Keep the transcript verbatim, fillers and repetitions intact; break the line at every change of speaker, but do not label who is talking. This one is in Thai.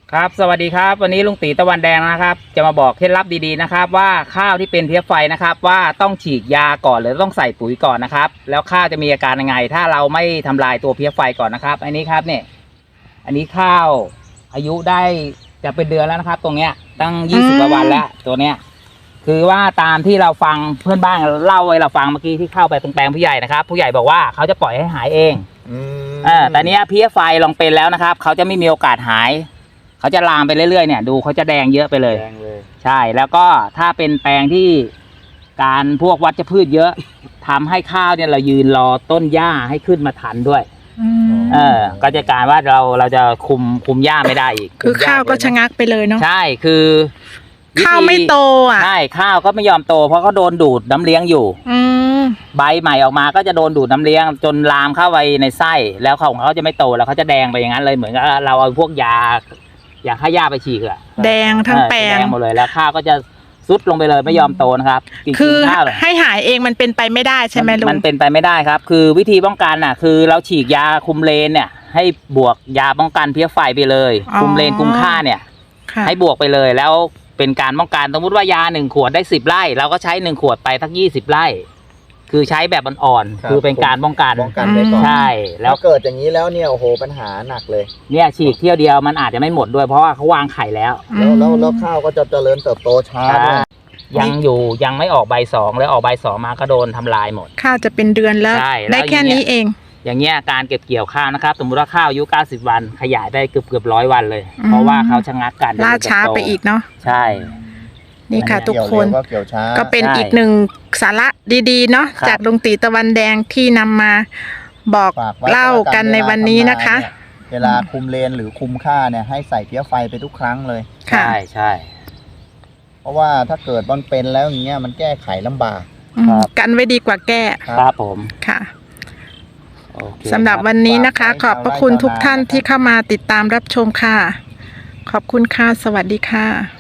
ครับสวัสดีครับวันนี้ลุงตีตะวันแดงนะครับจะมาบอกเคล็ดลับดีๆนะครับว่าข้าวที่เป็นเพี้ยไฟนะครับว่าต้องฉีดยาก่อนหรือต้องใส่ปุ๋ยก่อนนะครับแล้วข้าวจะมีอาการยังไงถ้าเราไม่ทำลายตัวเพี้ยไฟก่อนนะครับอันนี้ครับเนี่ยอันนี้ข้าวอายุได้จะเป็นเดือนแล้วนะครับ ตรงเนี้ยตั้งยี่สิบกว่าวันแล้วตัวเนี้ยคือว่าตามที่เราฟังเพื่อนบ้านเล่าไว้เราฟังเมื่อกี้ที่เข้าไปตรงแปลงผู้ใหญ่นะครับผู้ใหญ่บอกว่าเขาจะปล่อยให้หายเองเออแต่เนี้ยเพี้ยไฟลองเป็นแล้วนะครับเขาจะไม่มีโอกาสหายเขาจะลามไปเรื่อยๆเนี่ยดูเขาจะแดงเยอะไปเลยแดงเลยใช่แล้วก็ถ้าเป็นแปลงที่การพวกวัชพืชเยอะทำให้ข้าวเนี่ยเรายืนรอต้นหญ้าให้ขึ้นมาทันด้วยเออก็จะการว่าเราเราจะคุมคุมหญ้าไม่ได้อีก
คือข้าวก็ชะงักไปเลยเนาะ
ใช่คือ
ข้าวไม่โตอ่ะ
ใช่ข้าวก็ไม่ยอมโตเพราะเขาโดนดูดน้ำเลี้ยงอยู่ใบใหม่ออกมาก็จะโดนดูดน้ำเลี้ยงจนลามเข้าไปในไส้แล้วของเขาจะไม่โตแล้วเขาจะแดงไปอย่างนั้นเลยเหมือนกับเราเอาพวกยาอยากให้หญ้าไปฉีกอะ
แดงทั้งแปลง
แดงหมดเลยแล้วข้าวก็จะซุดลงไปเลยไม่ยอมโตนะครับ
คือให้หายเองมันเป็นไปไม่ได้ใช่ไหมลุง
มันเป็นไปไม่ได้ครับคือวิธีป้องกันน่ะคือเราฉีกยาคุมเลนเนี่ยให้บวกยาป้องกันเพี้ยไฟไปเลยคุมเลนคุมค่าเนี่ยให้บวกไปเลยแล้วเป็นการป้องกันสมมติว่ายาหนึ่งขวดได้สิบไร่เราก็ใช้หนึ่งขวดไปทั้งยี่สิบไร่คือใช้แบบอ่อนๆคือเป็นการป้องกัน
ป้องกันไปก่อน
ใช่แล้ว
เกิดอย่างนี้แล้วเนี่ยโอ้โหปัญหาหนักเลย
เนี่ยฉีกเที่ยวเดียวมันอาจจะไม่หมดด้วยเพราะว่าเขาวางไข่แล้ว
แล้วแล้วแล้วข้าวก็จะเจริญเติบโตช้าด้วย
ยังอยู่ยังไม่ออกใบสองแล้วออกใบสองมาก็โดนทำลายหมด
ข้าวจะเป็นเดือนแล้วได้แค่นี้เอง
อย่างเงี้ยการเก็บเกี่ยวข้าวนะครับสมมติว่าข้าวอายุเก้าสิบวันขยายได้เกือบเกือบร้อยวันเลยเพราะว่าเขาชะงักกัน
ล่าช้าไปอีกเนาะ
ใช่
นี่ค่ะทุกคนก็เป็นอีกหนึ่งสาระดีๆเนาะจากลุงตีตะวันแดงที่นำมาบอกเล่ากันในวันนี้นะคะ
เวลาคุมเลนหรือคุมค่าเนี่ยให้ใส่เพี้ยไฟไปทุกครั้งเลย
ใช่ใช่
เพราะว่าถ้าเกิดมันเป็นแล้วอย่างเงี้ยมันแก้ไขลำบาก
กันไว้ดีกว่าแก้
ครับผม
ค่ะสำหรับวันนี้นะคะขอบพระคุณทุกท่านที่เข้ามาติดตามรับชมค่ะขอบคุณค่ะสวัสดีค่ะ